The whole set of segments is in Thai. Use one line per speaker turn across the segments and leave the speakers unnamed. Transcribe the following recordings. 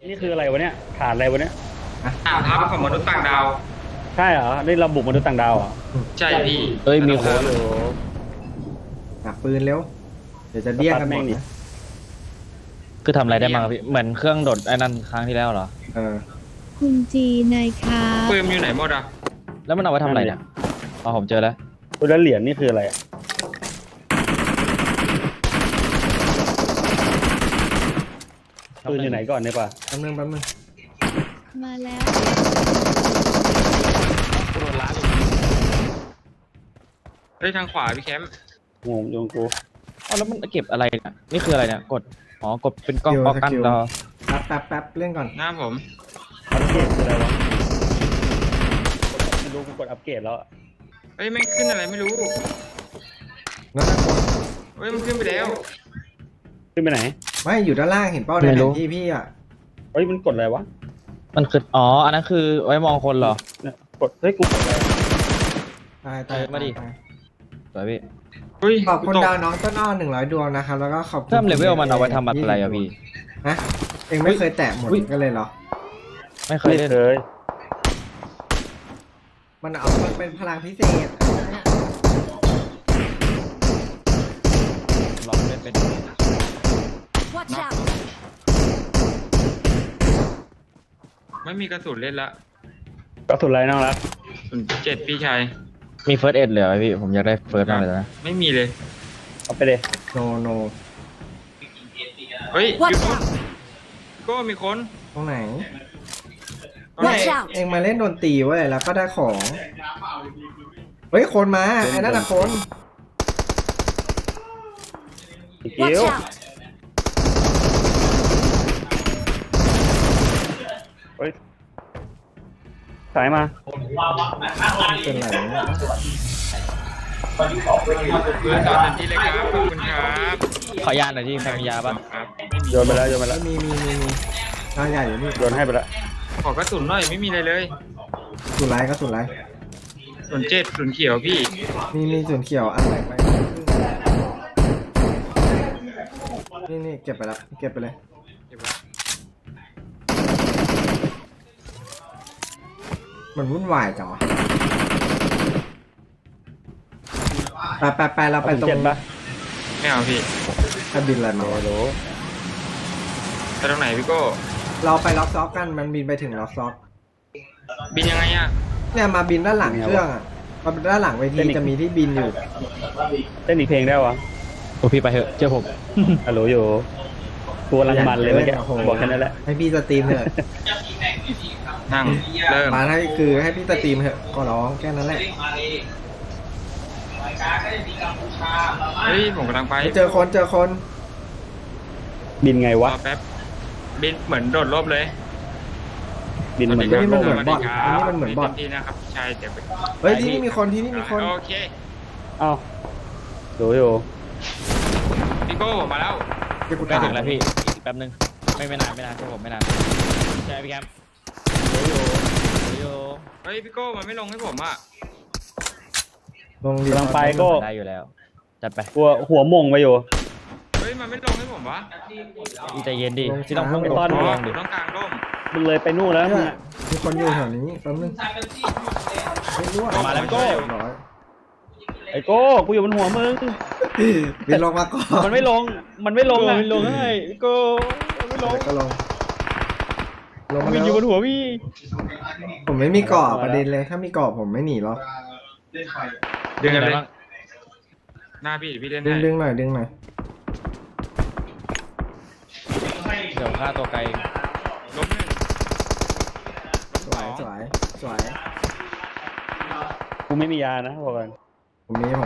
นี่คืออะไรวะเนี่ยฐานอะไรวะเนี่ย
ทัพของมนุษย์ต่างดาว
ใช่เหรอนี่เราบุกมนุษย์ต่างดาวเหรอ
ใช่พี่
เอ้ยมีโค้ดอยู่
หนักปืนเร็วเดี๋ยวจะเดี้ยงกันหมดนะ
คือทำอะไรได้บ้างครับพี่เหมือนเครื่องโดดไอ้นั่นครั้งที่แล้วเหรอ
คุณจีนายครับ
ปืนอยู่ไหนหมดอ่ะ
แล้วมันเอาไว้ทำอะไรเนี่ยอ๋อผมเจอแล้ว
แล้วเหรียญนี่คืออะไรอะปืนอยู่ไหนก่อนเนี่ยป่ะ
แป๊บนึง
มาแล้ว
เฮ้ยทางขวาพี่แคมป์
งงยงกู
อ๋อแล้วมันเก็บอะไรเนี่ยนี่คืออะไรเนี่ยกดอ๋อกดเป็นกล้องป้องกันเรา
แป๊บเล่นก่อน
หน้าผม
อัปเกรดคืออะไรวะไม่รู้กูกดอัปเกรดแล้วอะ
เฮ้ยแม่งขึ้นอะไรไม่รู้
นั่นนะคน
เฮ้ยมันขึ้นไปแล้ว
ขึ้นไปไหน
ไม่อยู่ด้านล่างเห็นเป้าในแผนที่พี่อ่ะ
เฮ้ยมันกดอะไรวะ
มันคืออ๋ออันนั้นคือไว้มองคนเหรอ
เนี่ยกดเฮ้ยกูกดอะไร
ตาย
มาดิ สวยพี่
เฮ้ย
ขอบคุณ
ตก
ดาวน้องต้นอ้อ100 ดวงนะครับแล้วก็ขอบคุณ
เพิ่มเลเวลมันเอาไว้ทำอะไรอะพี่
ฮะเองไม่เคยแตะหมดก็เลยเหรอ
ไม่เคย
ไม่
เล่น
เคย
มันเป็นพลังพิเศษ
ลองเล่นเป็น
Watch out
ไม่มีกระสุนเล่นละ
กระสุนอะไรน้องรัก
07พี่ชาย
มีเฟิร์สเอ็ดเหลือไหมพี่ผมอยากได้เฟิร์สมากเลยนะ
ไม่มีเลย
เอาไปเลย
โน
เฮ้ย
Watch out
ก็มีคน
ตรงไหน
Watch out
เองมาเล่นดนตรีเว้ยแล้วก็ได้ของเฮ้ยคนมาไอ้นั่นน่ะคน
อีกเกี้ยว
Watch out
เฮ้ยสายมา
เป็นไรเนี่ย
ปืนต่อเต็มที่เลยครับขอบคุณครับ
ขออนุญาตหน่อยที่ใครมียาบ้าง
ครับ
โยนไปแล้วโยนไปแล้ว
มีทางใหญ่อยู่นี่
โยนให้ไปแล้ว
ขอกระสุนหน่อยไม่มีอะไรเลย
สุดไรก็สุดไร
07ศูนย์เขียวพี่
มีส่วนเขียวอันไหนไปนี่เก็บไปแล้วเก็บไปเลย
เก็บไว้
มันวุ่นวายจังวะไปเราไปตรง
เจ็ดปะ
ไม่เอาพี่
กระบินอะไรมา
โอ้โห
ไปตรงไหนพี่โก้
เราไปล็อกซ็อกกันมันบินไปถึงล็อกซ็อก
บินยังไงอ่ะ
เนี่ยมาบินด้านหลังเครื่องอ่ะมาบินด้านหลังเวทีจะมีที่บินอยู่
เต้นอีกเพลงได้วะ
โอ้พี่ไปเถอะเชื่อผม
ฮัลโหลอยู่กูกำลังมันเลยเมื่อกี้
โโห
บอกแค่นั้นแหละ
ให้พี่สตรีมเถอะ
นั่งเริ่ม
มาให้ให้พี่สตรีมเถอะก็ร้องแค่นั้นแหละ
เฮ้ยผมกำลังไป
เจอคน
บินไง
ร
วะ
อแป๊บบินเหมือนโดดร่มเลย
บินเหมือน
นี่มันเหมือน
สวัส
บ
ดี
อท
ครับ
อันนี้มันเหมือนบอท
ดีนะครับใช่เดี๋ยวไป
เฮ้ยที่นี่มีคนที่นี่มีคน
โอเค
เอ้าดูอยู่
พี่โก้ผมมาแล้ว
เดี๋ยวกู
ใกล้
ตาย
ถึงแล้วพี่อีกแป๊บนึงไม่นานเชื่อผมไม่นานใช่พี่แคมป์โย
เฮ้ยพี่โก้มันไม่ลงให้ผมอ่ะ
ลงดี
กำลังไปก็
ได้อยู่แล้วจัดไป
หัวมงไปอยู่
เฮ้ยมันไม่ลงให้ผมวะ
อีใจเย็นดิที่ต้องพุ่ง
ไม่ต้อน
อ๋อ
ลอง
ผ
ดิ
มต้องกลางร่ม
มึงเลยไปนู่นแล้วมึงอะ
มีคนอยู่แถวนี้แป๊บนึงไม่รู้
มาแล้วพี่โก้
ร้อย
ไอ้โก้กูอยู่บนหัวมึง
บินลงมาก่อน
มันไม่ลงอะ
ไม่ลงให้พี่โก้ไม่ลง
ก็ลงมา
วิน
แล้
อยู่บน
ว
หัวพี่
ผมไม่มีเกาะประเด็นเลยถ้ามีเกาะผมไม่หนีหรอก
ดึงกันเลย
บ้าง
หน้าพี่พี่เล่น
ดึ
ให้
งหน่อยดึงหน่อย
เดี๋ยวฆ่าตัวไกล
ล้มหนึ่ง
สวยสวย
กูไม่มียานะบอกกัน
ผมมี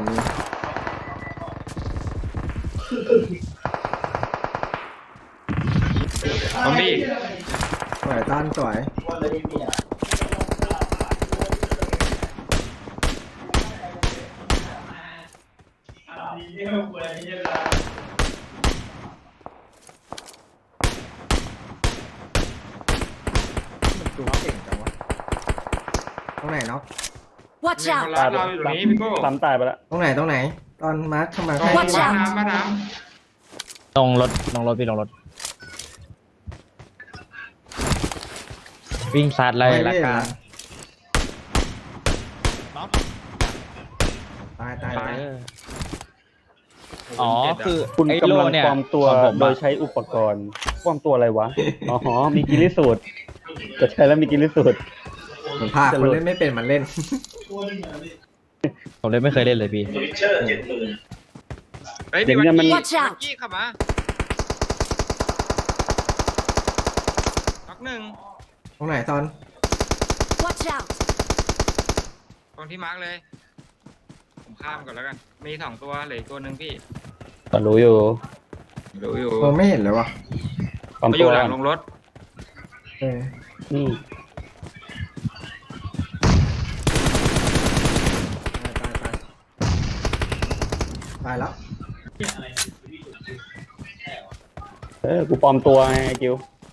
ซอมบี้
สวยต้านสวยดูเก่งจังวะตรงไหนเนาะ
Watch
มีคน
out
รับเราอยู่ตรงนี้พี่โก้
ซ้ำตายไปแล้ว
ตรงไหนตอนมาร์คทำไม
ตรง
Watch
บ้าน
out
น้ำบ้านน้
ลงรถพี่ลงรถวิ่งซัดเลย
ไม่
ละ
ได้
กัน
ตายตายตาย
เอออ๋อคือ
คุณ
ไอ้
กำ
โล่
ลัง
เนี่ย
ปลอมตัว
ของผม
โด
อะ
ยใช้อุปกรณ์ปลอมตัวอะไรวะอ๋อมีกิริสูตรจะใช้แล้วมีกิริสูตร
เหมือนพาคนเล่นไม่เป็นมันเล่น
ผมเลยไม่เคยเล่นเลยพี่
เฮ้ย
เดี๋
มี
ยว
วัน
เนี่ยมัน
กี้
Watch out
กี้ขับมาน็อกหนึ่ง
ตรงไหนตอน
Watch out!
ตรงที่มาร์กเลย ผมข้ามก่อนแล้วกัน มีสองตัวเหลืออกตัวหนึ่งพี่
ก็รู้อยู่
ดูอยู่
เออไม่เห็นเลยวะ
ปลอม
เขาอ
ตั
ยู่
ว
หลังลงรถ
เออ
นี่
ตายแล้ว
กูปลอมตัวไงกิว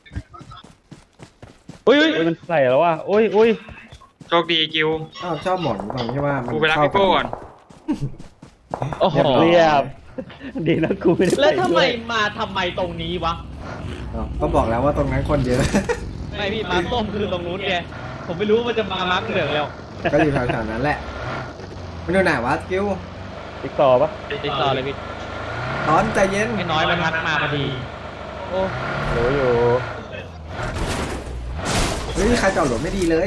อุ้ย
โอ้ยมันใส่แล้วว่ะโอ้ยโอ้ย
โชคดีกิว
ชอบหมอนตรงที่ว่ามัน
กูไปรับพี่โก้ก่อน
โอ้โห
เรียบดีนะกูไม่ได้
แล้วทำไม
ด้วย
มาทำไมตรงนี้วะ
ก็บอกแล้วว่าตรงนั้นคนเยอะ
ไม่พี่มาร์คส้มคือตรงนู้นไงผมไม่รู้ว่ามันจะมามาร์คเหลืองแล้ว
ก็อยู่แถวๆนั้นแหละมันอยู่ไหนวะกิ้ว
ติ๊กต่อปะ
ติดต่อเลยพี่
ตอนใจเย็น
ไอ้น้อยมันทักมาพอดีโอ้
รู้อยู่
เฮ้ยใครจอดรถไม่ดีเลย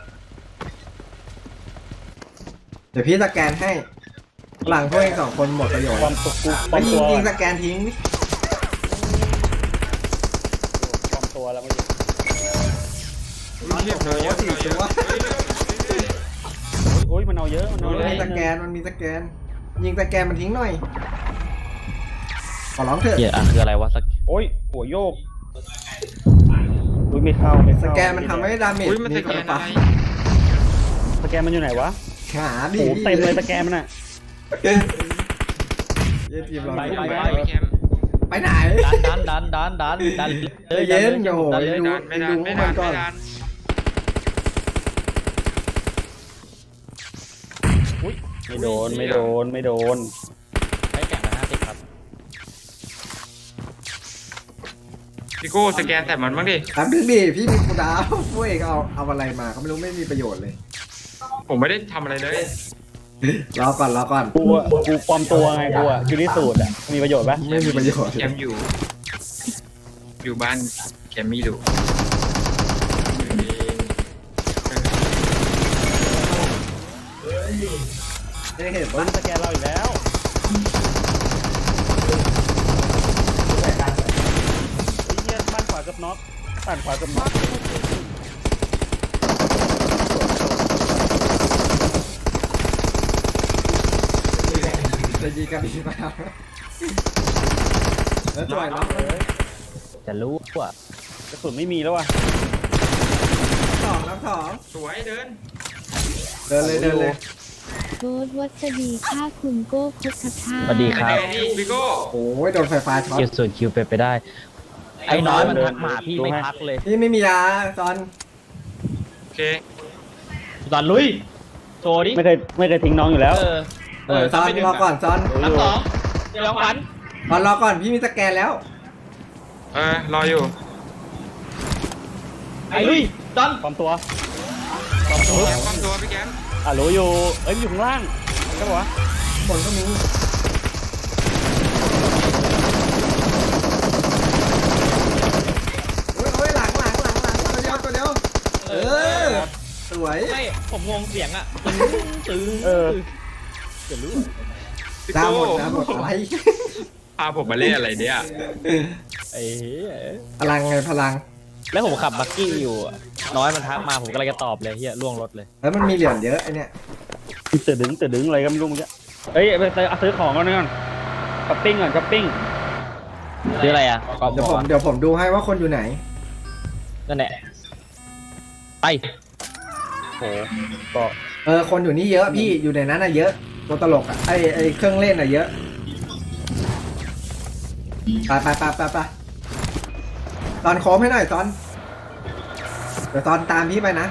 เดี๋ยวพี่สแกนให้ หลังพวกเองสองคนหมดประโยชน์
ปลอมตัวกูปล
ไป
อม
ยิ
ตั
ง
ว
ยิงสแกนทิ้ง
ปลอมตัวแล้วเมื่อกี้
เรียบร้อยเยอะ
สี่ตัว
โอ้ยมันเอาเยอะมันเอา
มัน
เยอะ
มีสแกนมันมีสแกน ยิงสแกนมันทิ้งหน่อยขอร้องเถอะ
เหี้ยอ่ะคืออะไรวะสัก
โอ้ยหัวโยกอุ้ยไม่เข้าไม่
ส
เข้า
แกนมันทำให้ดาเมจ
อุ้ยมันสแกนอะไร
สแกนมันอยู่ไหนวะ
หาดิ
โอ้เต็มเลยสแกนมันอ่ะ
เย็นทีมเรา
ไป
ไป
ไป
ไปแคมป์
ไปไหน
ดันดัน
ใจเย็นโอ้โห
ดันเลย
ดู
ดันไม่ดันไม่ดันไม่ดัน
ไม่โดนไม่โดนไม่โดน
ให้แข่งมา50ครับ
พี่โก้สแกนแต่มันบ้างดิ
ครับดึงดิพี่มีคูดาวพวกเองเอาอะไรมาเขาไม่รู้ไม่มีประโยชน์เลย
ผมไม่ได้ทำอะไรเลย
รอก่อนรอก่อน
กูปลอมตัวไงกูอ่ะคือที่สูตรอ่ะมีประโยชน์ปะ
ไม่มีประโยชน์
แคมป์อยู่ อยู่บ้านแคมป์มีดู
ไม่ได้เห็น
มั
ว่าน
สแกนเราอีกแล้วไอ้เหี้ยบ้านขวากับน็อกบ้านขวากับน็อก
จะยิงกันอีกแล้วแล้วจ่อยน้อง
จะรู้ว่า
กระสุนไม่มีแล้วว่ะ
สองน้ำสอง
สวยเดิน
เดินเลยเดินเลย
โบ๊ทวัสดีค่าคุณโก้พุทธทา
สวัสดีครับ
ไงพี่พี่โก้
โอ้ยโดนไฟฟ้าช็อต
เกียร์ส่วนคิวไปได้ ไอ้น้อยมันทักมาพี่ไม่ทักเลย
พี่ไม่มียาตอน
โอเค
ตอนลุยโชว์ดิ
ไม่เคยทิ้งน้องอยู่แล้ว
ตอนรอก่อนตอน
ทั้งสองเดี๋ยวขวัญ
ตอนรอก่อนพี่มีสแกนแล้ว
รออยู่
ไอ้ลุยตอน
ปลอมตัว
แคมป์ความตัวพี่แคมป์
รู้อยู่เอ้ยมันอยู่ข้างล่างใช่ปะวะ
บนก็มีโอ้ยหลังตัวเดียวเออสวย
ไม่ผมงงเสียงอ่ะตึ้ง จะรู้
พี่
ดาว
โก้
หมดอะไร
พาผมมาเล่นอะไรเนี่ย
ไอ้เหี้ย
พลังไงพลัง
แล้วผมขับบักกี้อยู่อะน้อยมันทักมาผมก็เลยจะตอบเลยเฮียล่วงรถเลย
แล้วมันมีเหรียญเยอะไอเนี่ย
ตื่นดึงอะไรก็ไม่รู้เมื่อกี้เอ้ยไปซื้อของก่อนก่อนช้อปปิ้งก่อนช้อปปิ้ง
ซื้ออะไรอ่ะกอบ
เดี๋ยว
บ
ผ
อ
ม
ก
เดี๋ยวผมดูให้ว่าคนอยู่ไหน
นั่นแหละไป
โอ้ก็
คนอยู่นี่เยอะพี่อยู่ในนั้นน่ะเยอะตัวตลกอ่ะไอเครื่องเล่นน่ะเยอะไปตอนโค้งให้หน่อยตอนเดี๋ยวตอนตามพี่ไปนะ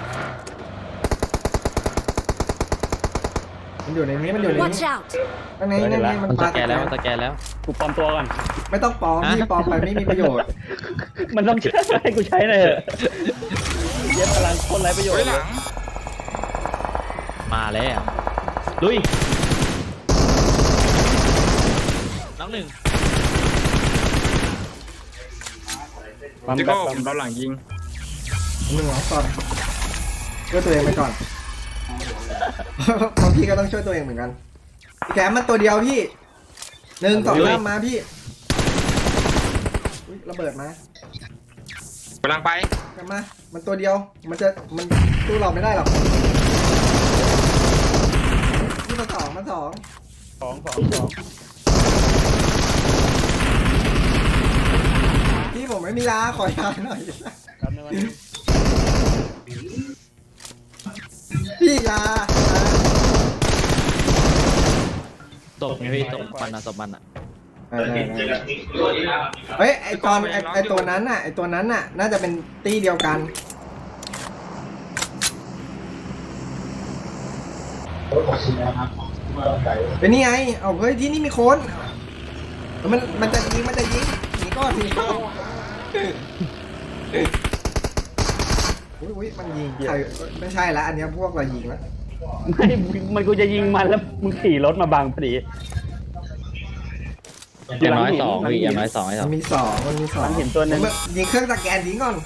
มันอยู่ในนี้มันอยู่ใน
Watch
นี้
out!
นั่นไงนั่นไงมัน
มัน
ป
ส
ลา
แกนแล้วมันสแกนแล้ว
กูปลอมตัวก่อน
ไม่ต้องปลอมพี่ปลอมไปไม่มีประโยชน์
มันต้องใช้ให้กูใช้หน่อยเถอะเย็บพลังคนไร้ประโยช
เฮ้ย
น์
หลัง
มาแล้วลุยน้องหนึ่ง
ปั๊ม
พี่
แบ
โก้
บ
ผมโดนหลังยิง
หนึ่งก่อนช่วยตัวเองไปก่อน เพราะพี่ก็ต้องช่วยตัวเองเหมือนกันพี่แกมมันตัวเดียวพี่หนึ่งสองสามมาพี่อุ๊ยระเบิดมาก
ำลังไป
กลับมามันตัวเดียวมันสู้เราไม่ได้หรอกนี่มันสอง
สอง
พี่ผมไม่มียาขอยาหน่อย
ครับในวันนี้
พี่ยา
ตกไงพี่ตกมันอะตกมันอะ
เฮ้ยไอตอนไอตัวนั้นน่ะไอตัวนั้นน่ะน่าจะเป็นตีเดียวกันเป็นนี่ไงเอาเฮ้ยที่นี่มีคนมันจะยิงหนีก่อนอุ้ยมันยิงใครไม่ใช่ละอันเนี้ยพวกเรายิงแล้ว
ไม่มันกูจะยิงมันแล้วมึงขี่รถมาบังพอดี
อย่างน้อยสองพี่อย่างน้อยสองไอ้ส
มั
อง
นมีสอง
มันเห็นตัวหนึง
ยิงเครื่องสแกนทิ้งก่อน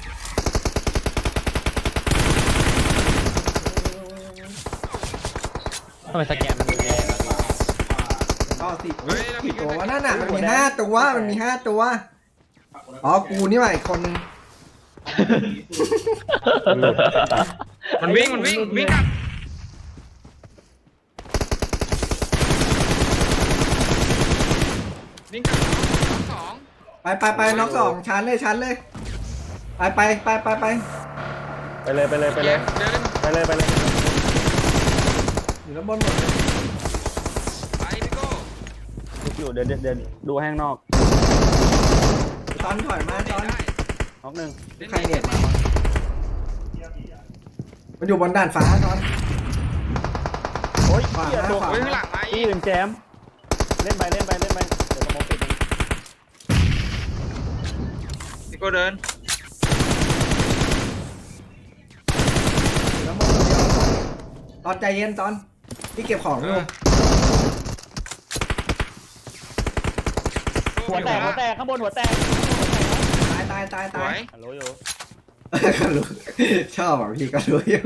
ทำไมสแกนมันแรงอะ
ก็สิ
เฮ้ยแล้ว
กี่
พี่
ตัว
ก็
วะนั่นน่ะมันมี5 ตัวอ๋อกูนี่หว่าอีกคนนึง
มันวิ่งกลับวิ่งกลับสอง
ไปน็อกสองชั้นเลยไป
ไปเลย
เดิน
ไปเลย
อยู่ด้านบนหมดเลย
ไปพี่โก้
ทุกอยู่เดินดูข้างนอก
ตอนถอยมาตอน
ได้
น็อกหนึ่ง
ใครเนี่ยมันอยู่บนด่านฟ้าตอน
โอ้ย
ขวา
เหี้ย
หน้า
ตัว
ขวา
เฮ้ยข้างหลังมา
ที่
อีก
อื่นแจมเล่นไปเดี๋ยวสมองปิดเอง
พี่โก้เดิน
แล้วมองตอนใจเย็นตอนพี่เก็บของอยู่
หัวแตกข้างบนหัวแตก
ตาย
สวย
ฮัลโหลอยู่
ก็รู้ชอบอ่ะพี่ก็รู้อยู่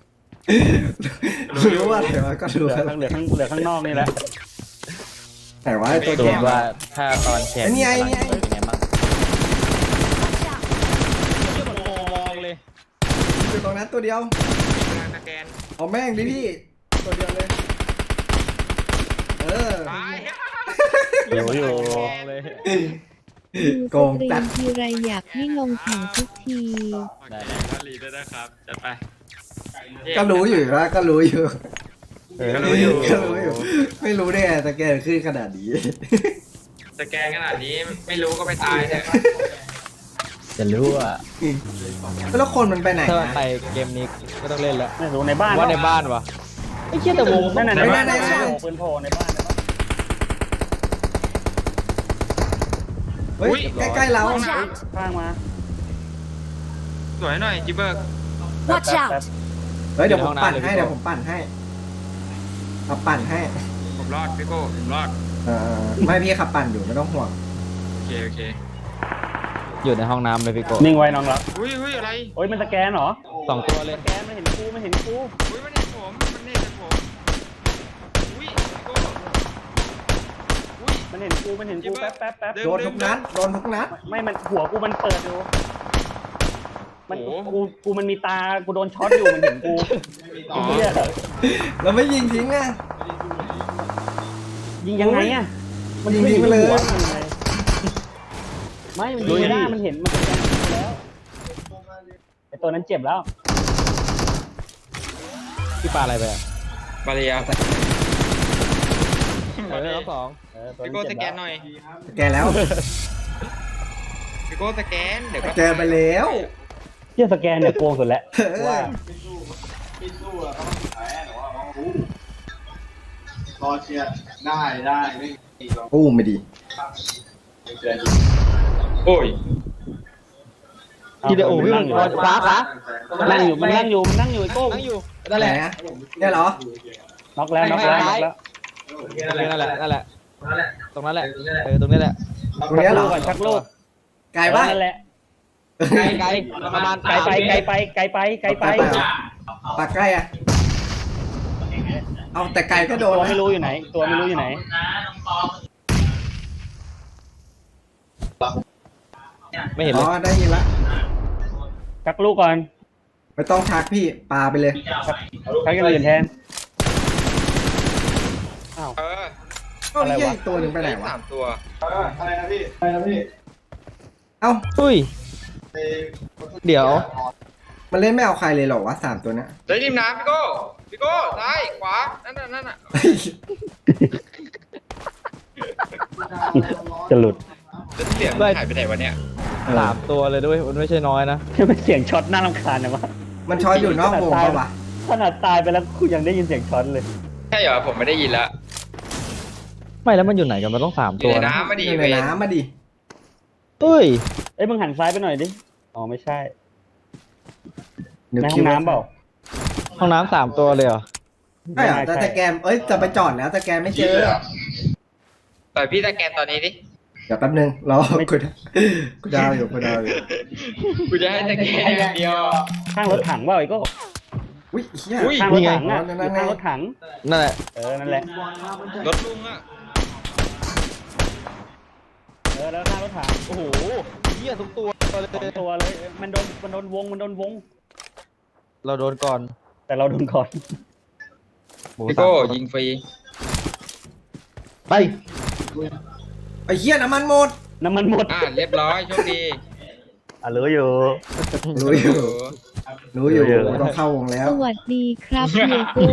รู้ว่าแต่ว่าก็รู้
เหลือข้างนอกนี่แหละ
แต่ว่าตัว
ดู
แกม
ว่าถ้าตอนแชร์
ไอ้นี่ไง
เป็นไงบ้างเยี่ยมมองเลย
อยู่ตรงนั้นตัวเดียว
กำลังสแกน
เอาแม่งดิพี่ตัวเดียวเลย
ตาย
อยู่
มองเลย
ดู
โก
ส
ง
ตรี
จั
ม
ด
ทีไรอยากให้ลงแข่งทุกที
ได้
ก็รีได้นะครับจัดไป
ก็รู้อยู่ว่าก็รู้อยู่
ก็รู้อยู่
ก็รู้อยู่ ไม่รู้ได้ไงแต่แกขึ้นขนาดนี้
สแกนขนาดนี้ไม่รู้ก็ไปตายเถอะ
จะรู้ว่า
แล้วคนมันไปไหน
ถ้า
นะ
ไปเกมนี้ก็ต้องเล่นแล้ว
ไม่รู้ในบ้าน
ว่าในบ้านวะไอ้เชี่ยแต่วง
นั่นน่ะ
ในบ้าน
ปืนโผล่ในบ้าน
เฮ้ยใกล้ๆเรา
ข้างมา
สวยหน่อยจิเบิร์ก
Watch out
เฮ้ยเดี๋ยวผมปั่นให้เอาปั่นให้
ผมรอดพี่โก้ผมรอด
ไม่พี่ขับปั่นอยู่ไม่ต้องห่วง
โอเค
อยู่ในห้องน้ำเลยพี่โก
นิ่งไว้น้องรัก
อุ้ยอะไร
โอ้ยมันสแกนเหรอ
สองตัวเลย
สแกนมันเห็นกู
อุ้ยมันเห็นผมอุ้ยพี่โก้อุ้ย
มันเห็นกูแป๊บ
โดนทุกนัด
ไม่มันหัวกูมันเปิดอยู่มัน
โอ้โห
กูมันมีตากูโดนช็อตอยู่มันเห็นกู
อ๋อ
เหี้ย
เราไม่ยิงทิ้งอ่ะ
ยิงยังไงอ่ะ
ยิงทิ้งไปเลย
หัวมันไงไม่มันยิงไม่ได้มันเห็นมันสแกนไปแล้วไอตัวนั้นเจ็บแล้ว
พี่ปลาอะไรไปอ่ะ
บาเรีย
รอบสอง
พี่โก้สแกนหน่อย
แกแล้ว
พี่โก้สแกนเดี๋ยวก็
แกไปแล้ว
เหี้ยสแกนเนี่ยโกงสุดแล้วว่า
รอเชียร์ได้ไม่มีหรอก
อู้ไม่ดี
เชิญ
โอ้ย
ท
ทีเดียวโอ้พี่
นั่
มั
ง
น
อยู่
ขวาขวา
นั่งอยู่มันนั่งอยู่ไอ้โก้
นั่งอยู่
นั่นแหละเนี่ยเหรอ
น็อกแล้วน็อกแล้วน็อกแล้ว
นั่นแหละตรงนั้นแหละตรงนี้แหละ
ตรงเนี้ยเหรอ
ก่อนชักลูก
ไกลปะ
นั่นแหละ
ไกลประมาณ
ไกลไปไกลไป
ปากใกล้อะเอาแต่ไกลก็โด
ตั
น
ว
นะ
ไม่รู้อยู่ไหน ตัวไม่รู้อยู่ไหน
ไม่เห็น
อ๋
เล
อย ได้ยินละ
ชักลูกก่อน
ไม่ต้องชักพี่ปาไปเลย
ชักอย่างอื่นแทน
เออ
เอ้านี่อีกตัวหนึ่งไปไหนวะ
สามตัว
อะไรนะพี่อะไรนะพี่
เอ้า
อุ้ยเดี๋ยว
มันเล่นไม่เอาใครเลยเหรอวะ3ตัวเนี้ย
เดี๋ยวริมน้ำพี่โก้ซ้ายขวานั่นน่ะ
เฮ้ย
จะหลุด
แล้วเสียงหายไปไหนวะเนี่ย
3 ตัวเลยด้วยมันไม่ใช่น้อยนะ
เป็นเสียงช็อตน่ารำคาญนะวะ
มันช้อยอยู่นอกวงปะวะ
ขนาดตายไปแล้วกูยังได้ยินเสียงช็อตเลย
ใช่เหรอผมไม่ได้ยินละ
ไม่แล้วมันอยู่ไหนกันมันต้อง3
อ
ตั
ยู่
ว
ใน
นะ
น้ำมาดี
อยู่
เว
ใน
ร
น้ำมาดิ
เอ้ย
เอ้ยมึงหันซ้ายไปหน่อยดิ อ๋อไม่ใช่
เดี๋ยว
ในห้
คิ
อ
ว
งน้ำเปล่า
ห้องน้ำ3 ตัวเลยเหรอ
ใช่เหรอแต่สแกนเอ้ยจะไปจอดแล้วสแกนไม่เจอ
ต่อยพี่ตะแกนตอนนี้ดิ
เดี๋ยวแป๊บนึงรอกูดาวอยู่
กูจะให้ตะแกนอย่างเดียว
ข้างรถถังเปล่าไอ้โก็
อุ้ยเฮีย
อุ้ย
ข้างรถถังอ่ะ
นี่
อ
ไง
ยู่ข้างรถถัง
นั่นแหละ
นั่นแหละ
รถลุงอ่ะ
แล้วข้างรถถัง
โอ้โหเหี้ยทุกตัวเลย
สองตัวเลยมันโดนวง
เราโดนก่อน
แต่เราโดนก่อน
หมู
พี่
สาม
โก้
ตัว
ยิงฟรี
ไป
ไอ้เฮียน้ำมันหมด
น้ำมันหมด
เรียบร้อยโชคดี
รู้อยู่
รู้อยู่ต้องเข้าวงแล้ว
สวัสดีครับเฮียโก้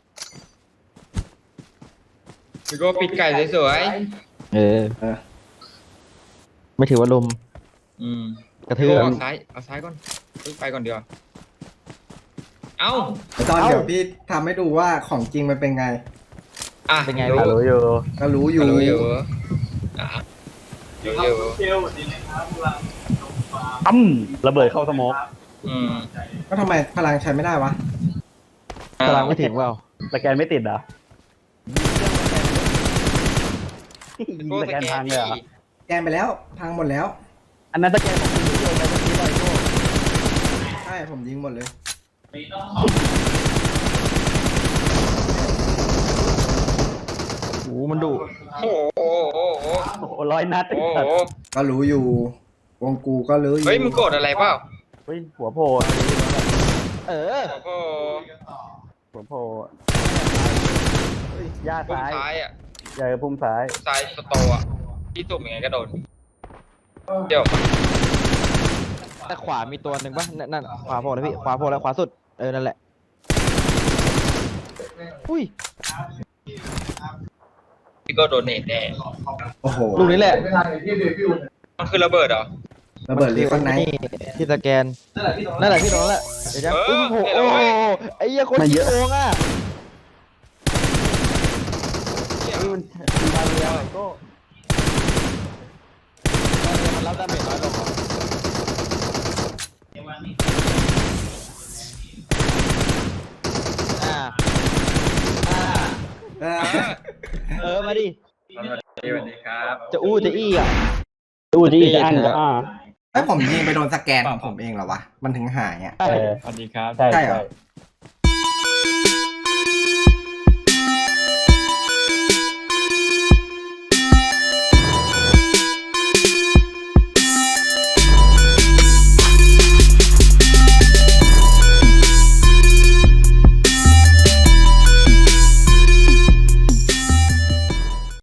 พี่โก้ปิดไก่สวย
เออไม่ถือว่าลม
ๆอืม
กระ
พี่
ทื
โก้
บ
เอาซ้ายก่อนไปก่อนเดียวาเอ้า
ตอนเดี๋ยวพี่ทำให้ดูว่าของจริงมันเป็นไง
เป็นไง
รู้อยู่
ก็รู้อยู่
รู้อยู่อ่ะอยู่
เซลดีเลยครับพลัง
ระเบิดเข้าสโมก
อืม
ก็ทำไมพลังใช้ไม่ได้วะ
พลังไม่ถึงเปล่า
สแกนไม่ติดเหรอสแกนพังเลยเหรอ
แกนไปแล้วพังหมดแล้ว
อันนั้นสแกนของคุณโยนไปเมื่อกี้บ่อยโก้
ใช่ผมยิงหมดเลย
โอ้มันดุ
โอ้โห
โอ้โห100 นัด
โอ้โห
ก็รู้อยู่ วงกูก็รู้อยู่
เฮ้ยมึงโกรธอะไรเปล่า
เฮ้ยหัวโผล่
เออ
โอ้โห
หัวโผล่ย่า
พุ่ม
ซ้าย
ซ้ายอ่ะ
ใหญ่พุ่มซ้าย
ซ้ายสโตอ่ะที่ตุ่มยังไงก็โดนเดี๋ยว
แต่ขวามีตัวหนึ่งป่ะนั่นขวาโผล่แล้วพี่ขวาโผล่แล้วขวาสุดนั่นแหละอุ้ย
พี่โก้โดนเนตแน่
โอ้โห
ลูกนี้แหละ
มันคือระเบิดเหรอ
ระเบิดรีคอนไนท์
ที่สแกนนั่นแหละพี่ตรงนั้นแหละเดี๋ยวจะโอ้โหโอ้โหไอ้เหี้ยคนขี้โกงอ่ะ
นี่มันบาเรียโก้
มันรับดาเมจน้อยลงมาดิ
สวัสดีครับ
จะอู้จะอี้อ่ะ
ดูที่จะอันก็
ไอ้ยผมยิงไปโดนสแกนของผมเองเหรอวะ มันถึงหายอ่ะ
เออ
สวัสดีครับ
ใช่
ใช่เหรอ